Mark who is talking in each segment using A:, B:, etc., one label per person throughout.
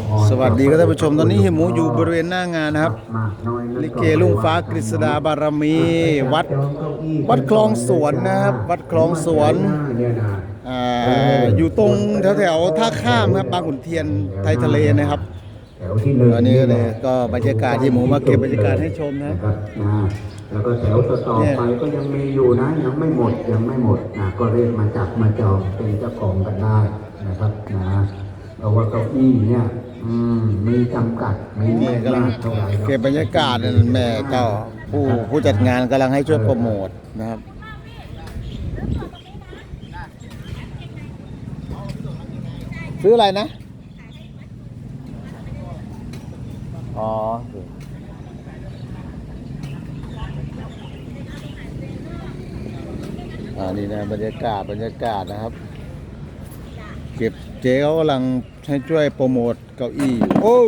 A: สวัสดีครับท่านผู้ชมตอนนี้เฮียหมูอยู่บริเวณหน้างานนะครับลิเกลุงฟ้ากฤษดาบารมีวัดคลองสวนนะครับวัดคลองสวนอยู่ตรงแถวท่าข้ามครับบางขุนเทียนไทยทะเลนะครับตอนนี้ก็บรรยากาศเฮียหมูมาเก็บบรรยากาศให้ชมนะครับ
B: แล้วก็แถวต่อไปก็ยังมีอยู่นะยังไม่หมดนะก็เรียกมาจับมาจองเป็นเจ้าของกันได้นะครับนะเพราะว่าเก้าอี้เนี่ยมีจำกัดไม่มากเท่าไหร่
A: เก็บบรรยากาศแม่ก็ผู้จัดงานกำลังให้ช่วยโปรโมทนะครับซื้ออะไรนะอ๋อนี่นะบรรยากาศนะครับเก็บเจ๊เขากำลังให้ช่วยโปรโมทเก้าอี้โอ้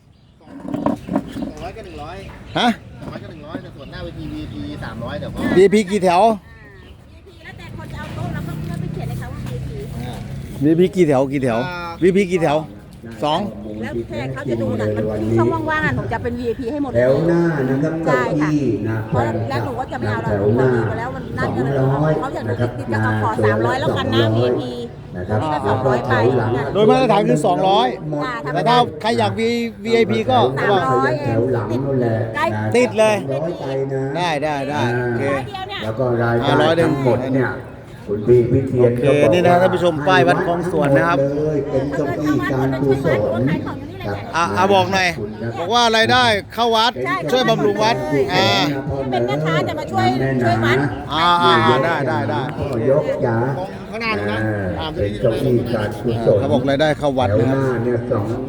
C: 200ก็100
A: ฮะ
C: 200ก็100แต่ส่วนหน้าเวที VIP 300เดี๋ยวก็
A: VIP กี่แถว
D: VIP แล้วแต่คนจะเอาโต๊ะแล้วก็ไปเขียนเลยค่ะว่า VIP
A: VIP กี่แถวVIP กี่แถว2
D: แล้วแต่เขาจะดูหนังมันช่องว่างๆหนูจะเป็น VIP ให้หมด
B: แถวหน้านะครับ
D: ใช่ค่ะ
B: นะ
D: เพราะแล้วหนูก็จะไม่เอาเราหนูดีมาแล้วมันนั่นกันเลยเขาอยากดูติดๆจะเอาขอ300แล้วกันนะ VIP
B: นะครับ
D: นี่ก็200ไป
A: โดยมาตรฐานคือ200แต่ถ้าใครอยาก VIP ก็
D: 300
B: แถวหลังนั่นแหละ
A: ติดเลย
B: 100ไปนะ
A: ได้โอเค
B: แล้วก็รายได้ทั้งหมดเนี่ยคุณพี่พิเทียน
A: โอเคนี่นะท่านผู้ชมป้ายวัดคลองสวนนะครับ
B: เลยเป็นเก้าอี้การกุศลครับ
A: บอกหน่อยบอกว่ารายได้เข้าวัดช่วยบำรุงวัด
D: เป็นแม่ค้าจะมาช่วยวัด
A: ได้
B: ยกยา
C: ข้างหน้าดูนะ
B: เป็นเก้าอี้การกุศล
A: เขาบอกรายได้เข้าวัด
B: แถว
A: นะค
B: ห
A: รับ
B: น้าเนี่ย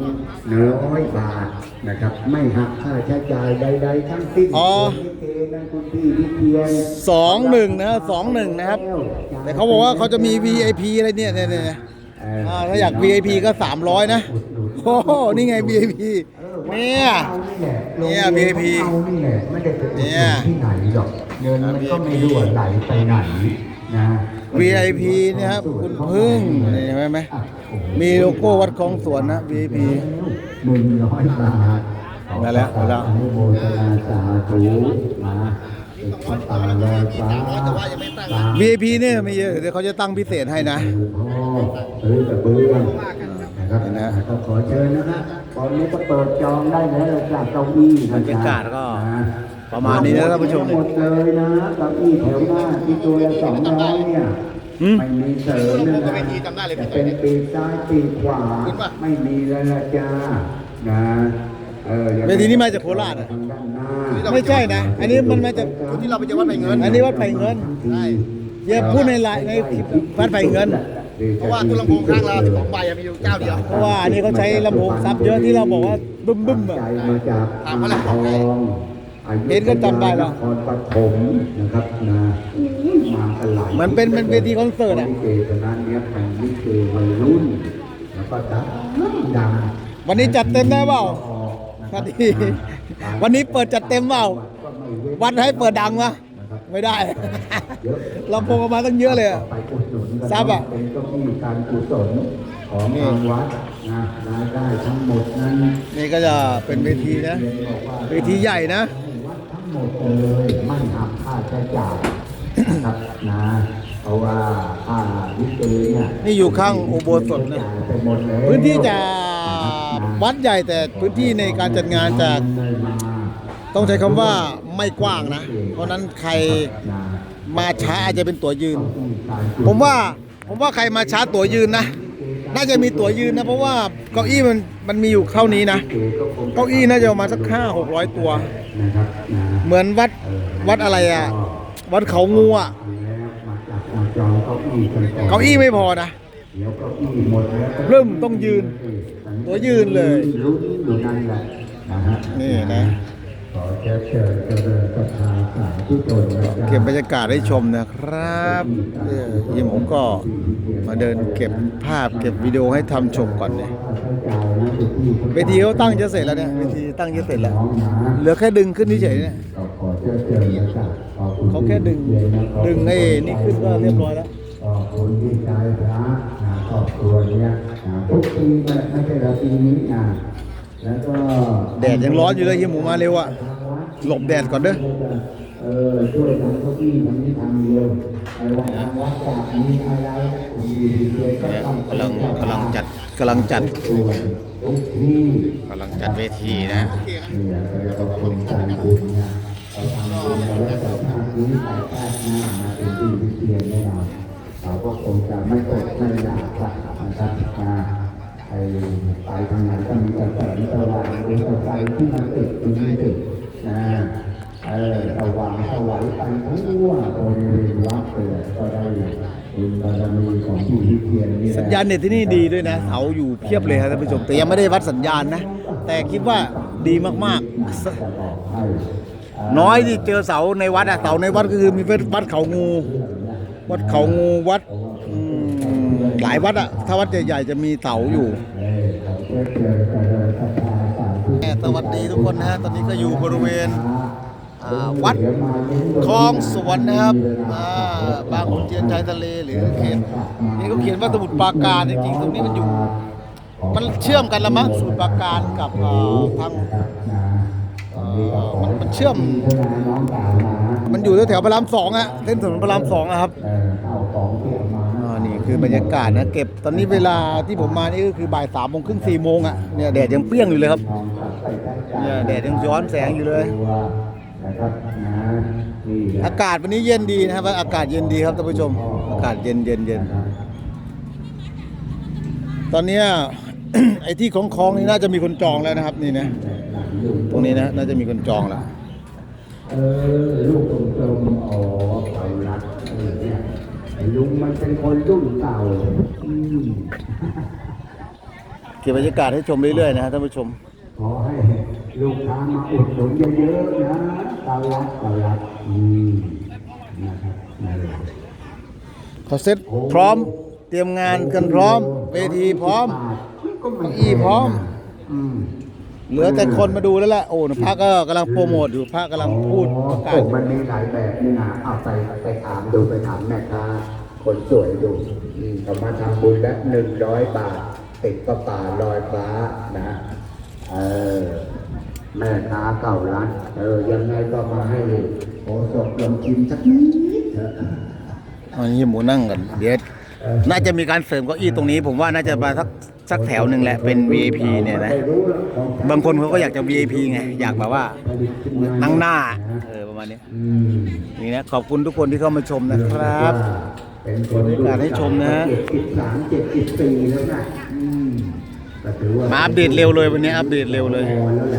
B: 200 บาทนะครับไม่หักค่าใช้จ่ายใดๆทั้งสิ้นลิเกนั่นคุณพี่พิเทียน
A: 21นะครับแต่เขาบอกว่าเขาจะมี VIP อะไรเนี่ยถ้าอยาก VIP ก็300นะโอ้นี่ไง VIP เนี่ย VIP
B: เนี่ยที่ไหนหรอกเงินมันก็ไม่รั่วไหลไปไหนนะ
A: VIP เนี่ยครับคุณพึ่งนี่เห็นไหมมีโลโก้วัดคลองสวนนะ VIP
B: 100 บาท
A: มาแล้ว
B: อนุโมทนาสาธุนะพระตาลอยฟ้า
A: VIP เนี่ยมีเยอะเดี๋ยวเขาจะตั้งพิเศษให้นะ
B: หรือกระเบื้องนะครับก็ขอเชิญนะครับตอนนี้ก็เปิดจองได้แล้วจากเก้าอี้
A: บรรยากาศก็ประมาณนี้นะท่านผู้ชม
B: หมดเลยนะเก้าอี้แถวหน้าที่ตัวละ200เนี่ยไม่มีเสริมนะจะเป็นปีกซ้ายปีกขวาไม่มีแล้วละจ้านะ
A: เวทีนี้มาจากโคราชอ่ะไม่ใช่นะอันนี้มันมาจาก
C: ที่เราไปเจอวัดไผ่เงิน
A: อันนี้วัดไผ่เงินอย่าพูดในไลน์ในวัดไผ่เงิน
C: เพราะว่าตู้ลำโพงข้างเรา12 ใบมีอยู่เจ้าเดียว
A: เพราะว่าอันนี้เขาใช้ลำโพงซับเยอะที่เราบอกว่าบึ้มอ่ะ
C: ถามเขาแหละ
A: เห็นก็จำได้แล้ว
B: ปฐมนะครับนะมากันหลาย
A: มันเป็นเวทีคอนเสิร์ตอ่ะ
B: ลิเกตอนนั้นเนี่ยเป็นลิเกวัยรุ่นแล้วก็ดัง
A: วันนี้จัดเต็มได้เปล่าวันนี้เปิดจัดเต็มเปล่าวัดให้เปิดดังวะไม่ได้ลำโพงออกมาตั้งเยอะเลยซับอ่ะ
B: เป็นเก้าอี้การกุศลของทางวัดนะรายได้ทั้งหมดนั้น
A: นี่ก็จะเป็นเวทีนะเวทีใหญ่นะ
B: วัดทั้งหมดเลยไม่หักค่าใช้จ่ายนะครับนะเพราะว่าค่าลิเกเนี่ย
A: นี่อยู่ข้างอุโบสถนะพื้นที่จะวัดใหญ่แต่พื้นที่ในการจัดงานจะต้องใช้คำว่าไม่กว้างนะเพราะนั้นใครมาช้าอาจจะเป็นตั๋วยืนผมว่าใครมาช้าตั๋วยืนนะน่าจะมีตั๋วยืนนะเพราะว่าเก้าอี้มันมีอยู่เท่านี้นะเก้าอี้น่าจะประมาณสัก500-600 ตัวเหมือนวัดอะไรอ่ะวัดเขางูอ่ะเก้าอี้ไม่พอนะเริ่มต้องยืนตัวยืนเลยนี่นะเก็บบรรยากาศให้ชมนะครับยิมผมก็มาเดินเก็บภาพเก็บวิดีโอให้ทำชมก่อนเนี่ยเวทีเขาตั้งจะเสร็จแล้วเนี่ยเวทีตั้งจะเสร็จแล้วเหลือแค่ดึงขึ้นเฉยๆเนี่ยเขาแค่ดึงไอ้นี่ขึ้นก็เรียบร้อยแล้ว
B: คนที่ใจพระครอบครัวเนี้ยทุกปีไม่ใช่เราปีนี้แล้วก็
A: แดดยังร้อนอยู่เลยเฮียหมูมาเร็วอะหลบแดดก่อนเด้อ
B: ช่วยทำเก้าอี้ทำนี้ทำเดียวไอ้ว่าทางวัดจากมีอะไรคุณดีเดียวก็
A: เนี่ย
B: ต้อง
A: กำลังจัดกำลังจัด
B: ทุกที่
A: กำลังจัดเวทีนะ
B: เนี่ยเราก็เป็นการบุญนะเราทำบุญมาแล้วแต่ชาตินี้แต่ชาติหน้ามาเป็นที่วิเชียรแน่นอนเราก็คงจะไม่อดไม่อยากนะครับไปทางไหนก็มีแต่แสงสว่างหรือไฟที่มันติดอยู่ที่ติดนะสว่างสวัยไปทั่วบริเวณวัดเลยก็ได้บุญบารมีของที่วิเชียรนี่แหละ
A: สัญญาณเน็ตที่นี่ดีด้วยนะเสาอยู่เพียบเลยครับท่านผู้ชมแต่ยังไม่ได้วัดสัญญาณนะ แต่คิดว่าดีมากๆน้อยที่เจอเสาในวัดอะเสาในวัดก็คือมีวัดเขางูวัดเขางูวัดหลายวัดอะถ้าวัดใหญ่ๆจะมีเสาอยู่สวัสดีทุกคนนะฮะตอนนี้ก็อยู่บริเวณวัดคลองสวนนะครับบางขุนเทียนชายทะเลหรือเขตนี่เขาเขียนว่าสมุทรปราการจริงๆตรงนี้มันอยู่มันเชื่อมกันละมั้งสมุทรปราการกับทางมันเชื่อมมันอยู่แถวพระรามสองอะเส้นถนนพระรามสองอะครับนี่คือบรรยากาศนะเก็บตอนนี้เวลาที่ผมมานี่ก็คือบ่าย3:30 4 โมงอะเนี่ยแดดยังเปรี้ยงอยู่เลยครับเนี่ยแดดยังย้อนแสงอยู่เลยอากาศวันนี้เย็นดีนะครับอากาศเย็นดีครับท่านผู้ชมอากาศเย็นตอนนี้ ไอ้ที่คล้องๆนี่น่าจะมีคนจองแล้วนะครับนี่นะตรงนี้นะน่าจะมีคนจองแล้ว
B: ลูกกลมๆอ๋อเขารักเนี่ยลุงมันเป็นคนรุ่นเก่า
A: เก็บบรรยากาศให้ชมเรื่อยๆนะครับท่านผู้ชม
B: ขอให้ลูกค้ามาอุดหนุนเยอะๆนะเก่ารักนะครับ
A: เขาเซ็ตพร้อมเตรียมงานกันพร้อมเวทีพร้อมเก้าอี้พร้อมเหลือแต่คนมาดูแล้วแหละโอ้พระก็กำลังโปรโมทอยู่พระกำลังพูดประกาศ
B: มันมีหลายแบบนี่นะเอาไปถามดูไปถามแม่ค้าคนสวยดูเขามาทำบุญละ100 บาทติดกระป่าลอยฟ้านะแม่ค้าเก่าร้านยังไงก็มาให้โอ้สดลองชิมสักนิด
A: อันนี้หมูนั่งกันเดี๋ยวน่าจะมีการเสริมเก้าอี้ตรงนี้ผมว่าน่าจะมาสักแถวหนึ่งแหละเป็น VIP เนี่ยนะบางคนเขาก็อยากจะ VIP ไงอยากแบบว่านั่งหน้าประมาณนี้นี่นะขอบคุณทุกคนที่เข้ามาชมนะครับ
B: เป็นคน
A: การให้ชมนะ
B: 73-74แล้วนะ
A: มาอัปเดตเร็วเลยวันนี้อัปเดตเร็วเลย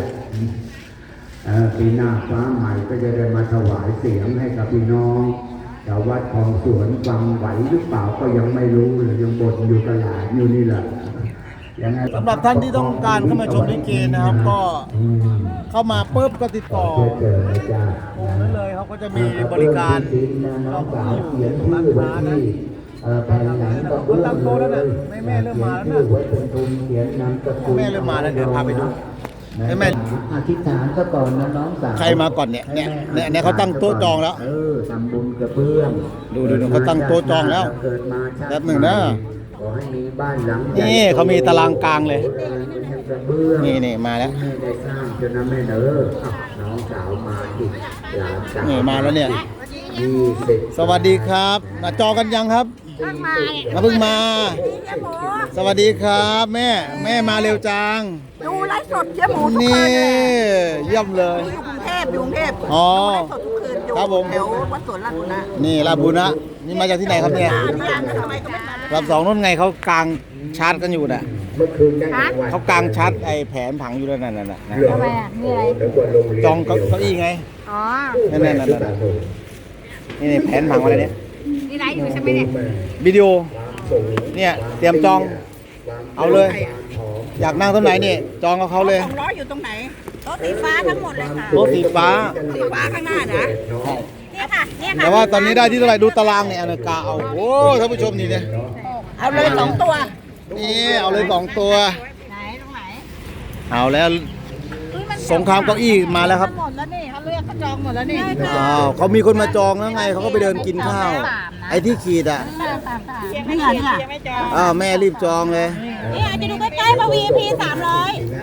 B: ปีหน้าฟ้าใหม่ก็จะได้มาถวายเสียงให้กับพี่น้องชาววัดคลองสวนฟังไหวหรือเปล่าก็ยังไม่รู้เลยยังบ่นอยู่ตลาดอยู่นี่แหละ
A: สำหรับท่านที่ต้องการเข้ามาชมลิเกนะครับก็เข้ามาปุ๊บก็ติดต่อนั่นเลยเขาก็จะมีบริการเราอยู่ตรงร้านค้านะคนตั้งโต๊ะแล้วนะแม่เริ่มมาแล้วนะแม่เริ่มมาแล้วเดี๋ยวพาไปดูแม่
B: อธิษฐานก็ก่อนนะน้องสาว
A: ใครมาก่อนเนี่ยเขาตั้งโต๊ะจองแล้ว
B: ทำบุญกับเพื่อน
A: ดูเขาตั้งโต๊ะจองแล้วแป๊บหนึ่งนะ
B: ขอให้มีบ้านหลัง
A: นี่เขามีตารางกลางเลยนี่มาแล้ว
B: ได้สร้างจนแม่น้องสาวมาอีกหลานสาว
A: นี่มาแล้วเนี่ยสวัสดีครับมาจองกันยังครับเพิ่งมาสวัสดีครับแม่มาเร็วจัง
D: ดูไลฟ์สดเจ๊หมูทุกคืน
A: นี่เยี่ยมเลย
D: อยู่กรุงเทพดูไลฟ์สดทุกคืน
A: ครับผม
D: แถววัดสวนราชบุรณะ
A: นี่ราชบุรณะนี่มาจากที่ไหนครับเนี่ยลำสองนู่นไงเขากางชาร์จกันอยู่น่ะเขากางชาร์จไอ้แผนผังอยู่แล้วนั่นน่ะ
D: ทำไมมีอะไร
A: จองเก้าอี้ไง
D: อ๋อ
A: นั่นนี่แผนผังอะไรเนี่ย
D: นี่ไลฟ์อยู่ใช่ไหมเนี่ย
A: วิดีโอเนี่ยเตรียมจองเอาเลยอยากนั่งตรงไหนนี่จองกับเขาเลย
D: 200อยู่ตรงไหนโต๊ะสีฟ้าทั้งหมดเลยค่ะ
A: โต๊ะสีฟ้า
D: ข้างหน้านะเนี่ยค่ะ
A: แต่ว่าตอนนี้ได้ที่เท่าไหร่ดูตารางเนี่ยกาเอาโอ้ท่านผู้ชมนี่เนี่ย
D: เอาเลย2ตัว
A: นี่เอาเลย2ตัว
D: ไหนตรงไหน
A: เอาแล้วสงครามเก้าอี้มาแล้วครับ
D: หมดแล้วนี่เขาเลือกเขาจองหมดแล้วนี่
A: เขามีคนมาจองแล้วไงเขาก็ไปเดินกินข้าวไอ้ที่ขีด
D: ไม่เหรอ
A: แม่รีบจองเลย
D: นี่อาจจะดูใกล้ๆมา VIP 300ขอบ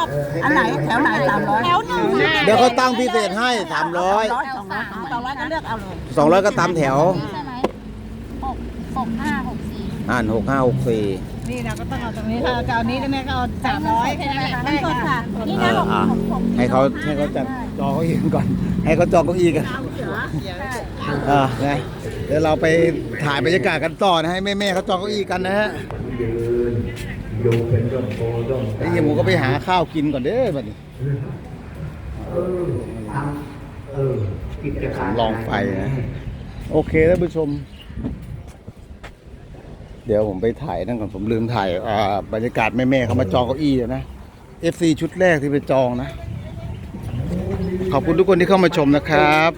D: อันไหนแถวไหน300แถวหนึ่ง
A: เดี๋ยวเขาตั้งพิเศษให้300
D: 200ก็เลือกเอาเลย
A: 200ก็ตามแถว
E: ใช่ไหม6564
A: 6564
C: นี่นะก็ต้องเอาตรงนี้ถ้าจะเอานี้แล้วแม่ก็เอา300แค่นั้นแหละ
D: เงินสดค่ะ
E: นี่นะ
A: ให้เขาจัดจอเก้าอี้กันก่อน ให้เขาจองเก้าอี้กันไงเดี๋ยวเราไปถ่ายบรรยากาศกันต่อนะให้แม่ๆเขาจองเก้าอี้กันนะฮะ
B: ยืนอยู่เป็นร่มโพร่ม
A: ไอ้เหี้ยหมูก็ไปหาข้าวกินก่อนเด้อบัดนี้
B: กิจการ
A: ลองไฟนะโอเคท่านผู้ชม เดี๋ยวผมไปถ่ายนั่นก่อนผมลืมถ่ายบรรยากาศแม่ๆเขามาจองเก้าอี้นะ FC ชุดแรกที่ไปจองนะ ขอบคุณทุกคนที่เข้ามาชมนะครับ